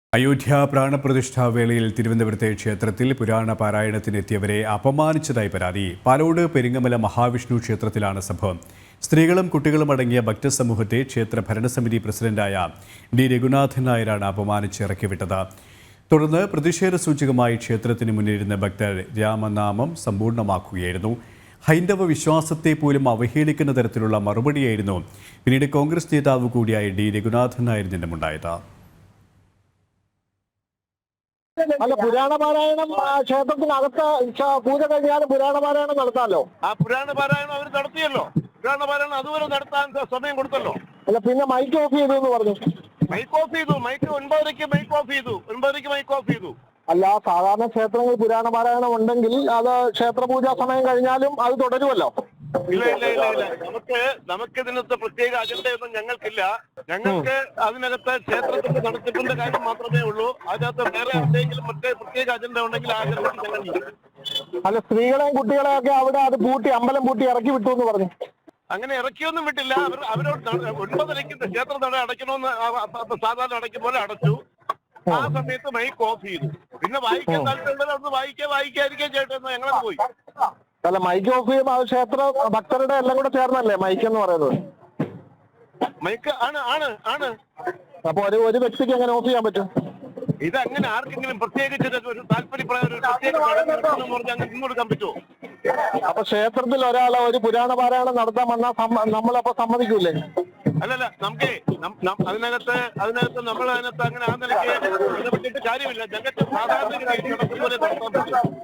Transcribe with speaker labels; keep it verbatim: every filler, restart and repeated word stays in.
Speaker 1: അയോധ്യ പ്രാണപ്രതിഷ്ഠാ വേളയിൽ തിരുവനന്തപുരത്തെ ക്ഷേത്രത്തിൽ പുരാണ പാരായണത്തിനെത്തിയവരെ അപമാനിച്ചതായി പരാതി. പാലോട് പെരിങ്ങമല മഹാവിഷ്ണു ക്ഷേത്രത്തിലാണ് സംഭവം. സ്ത്രീകളും കുട്ടികളും അടങ്ങിയ ഭക്തസമൂഹത്തെ ക്ഷേത്ര ഭരണസമിതി പ്രസിഡന്റായ ഡി രഘുനാഥൻ നായരാണ് അപമാനിച്ച് ഇറക്കിവിട്ടത്. തുടർന്ന് പ്രതിഷേധ സൂചകമായി ക്ഷേത്രത്തിന് മുന്നിലിരുന്ന ഭക്തർ രാമനാമം സമ്പൂർണ്ണമാക്കുകയായിരുന്നു. ഹൈന്ദവ വിശ്വാസത്തെ പോലും അവഹേളിക്കുന്ന തരത്തിലുള്ള മറുപടിയായിരുന്നു പിന്നീട് കോൺഗ്രസ് നേതാവ് കൂടിയായ ഡി രഘുനാഥൻ നായരിൽ നിന്നുമുണ്ടായത്.
Speaker 2: അല്ല, പുരാണ പാരായണം ക്ഷേത്രത്തിനകത്ത് പൂജ കഴിഞ്ഞാലും പുരാണ പാരായണം നടത്താമല്ലോ.
Speaker 3: ആ പുരാണ പാരായണം അവർ നടത്തിയല്ലോ. പുരാണ പാരായണം അതുവരെ നടത്താൻ സമയം കൊടുത്തല്ലോ.
Speaker 2: അല്ല, പിന്നെ മൈക്ക് ഓഫ് ചെയ്തു എന്ന് പറഞ്ഞു.
Speaker 3: മൈക്ക് ഓഫ് ചെയ്തു. മൈക്ക് ഒൻപതരയ്ക്ക് മൈക്ക് ഓഫ് ചെയ്തു. ഒൻപതരയ്ക്ക് മൈക്ക് ഓഫ് ചെയ്തു.
Speaker 2: അല്ല, സാധാരണ ക്ഷേത്രങ്ങളിൽ പുരാണ പാരായണം ഉണ്ടെങ്കിൽ അത് ക്ഷേത്രപൂജാ സമയം കഴിഞ്ഞാലും അത് തുടരുമല്ലോ.
Speaker 3: ഇല്ല ഇല്ല ഇല്ല ഇല്ല നമുക്ക് നമുക്ക് ഇതിനകത്ത് പ്രത്യേക അജണ്ടയൊന്നും ഞങ്ങൾക്കില്ല. ഞങ്ങൾക്ക് അതിനകത്ത് ക്ഷേത്രത്തിന്റെ നടത്തിപ്പിന്റെ കാര്യം മാത്രമേ ഉള്ളൂ. അതിനകത്ത് വേറെ എന്തെങ്കിലും മറ്റേ പ്രത്യേക അജണ്ട ഉണ്ടെങ്കിൽ ആ അജണ്ടയ്ക്ക് ഞങ്ങൾ.
Speaker 2: അല്ല, സ്ത്രീകളെയും കുട്ടികളെയൊക്കെ അവിടെ അത് പൂട്ടി അമ്പലം പൂട്ടി ഇറക്കി വിട്ടു എന്ന് പറഞ്ഞു.
Speaker 3: അങ്ങനെ ഇറക്കിയൊന്നും വിട്ടില്ല. അവർ അവരോട് ഒൻപതരയ്ക്ക് ക്ഷേത്ര നട അടയ്ക്കണമെന്ന് സാധാരണ അടയ്ക്കും പോലെ അടച്ചു. ആ സമയത്ത് മൈക്ക് ഓഫ് ചെയ്തു. പിന്നെ വായിക്കാൻ താല്പര്യമുള്ളത് അവിടുന്ന് വായിക്കുക വായിക്കാതിരിക്കുകയും ചെയ്യട്ടെന്ന് ഞങ്ങളത് പോയി.
Speaker 2: അല്ല, മൈക്ക് ഓഫ് ചെയ്യുമ്പോൾ അത് ക്ഷേത്ര ഭക്തരുടെ എല്ലാം കൂടെ ചേർന്നല്ലേ മൈക്ക് എന്ന് പറയുന്നത്?
Speaker 3: മൈക്ക് ആണ് ആണ് ആണ്
Speaker 2: അപ്പൊ ഒരു ഒരു വ്യക്തിക്ക് എങ്ങനെ ഓഫ് ചെയ്യാൻ പറ്റും?
Speaker 3: ഇത് അങ്ങനെ ആർക്കെങ്കിലും പ്രത്യേകിച്ച് ഒരു താല്പര്യപ്രകാരം ഒരു പ്രത്യേക ചടങ്ങ് പറഞ്ഞ് അങ്ങനെ നിന്നൊടുക്കാൻ പറ്റുമോ?
Speaker 2: അപ്പൊ ക്ഷേത്രത്തിൽ ഒരാളെ ഒരു പുരാണ പാരായണം നടത്താൻ വന്നാൽ നമ്മളപ്പോ സമ്മതിക്കൂലേ?
Speaker 3: അല്ലല്ല, നമുക്ക് അതിനകത്ത് അതിനകത്ത് നമ്മൾ അതിനകത്ത് അങ്ങനെ ആ നിലയ്ക്ക് പറ്റിയിട്ട് കാര്യമില്ല. ഞങ്ങൾക്ക് സാധാരണ നടത്തും പോലെ നടത്താൻ പറ്റും.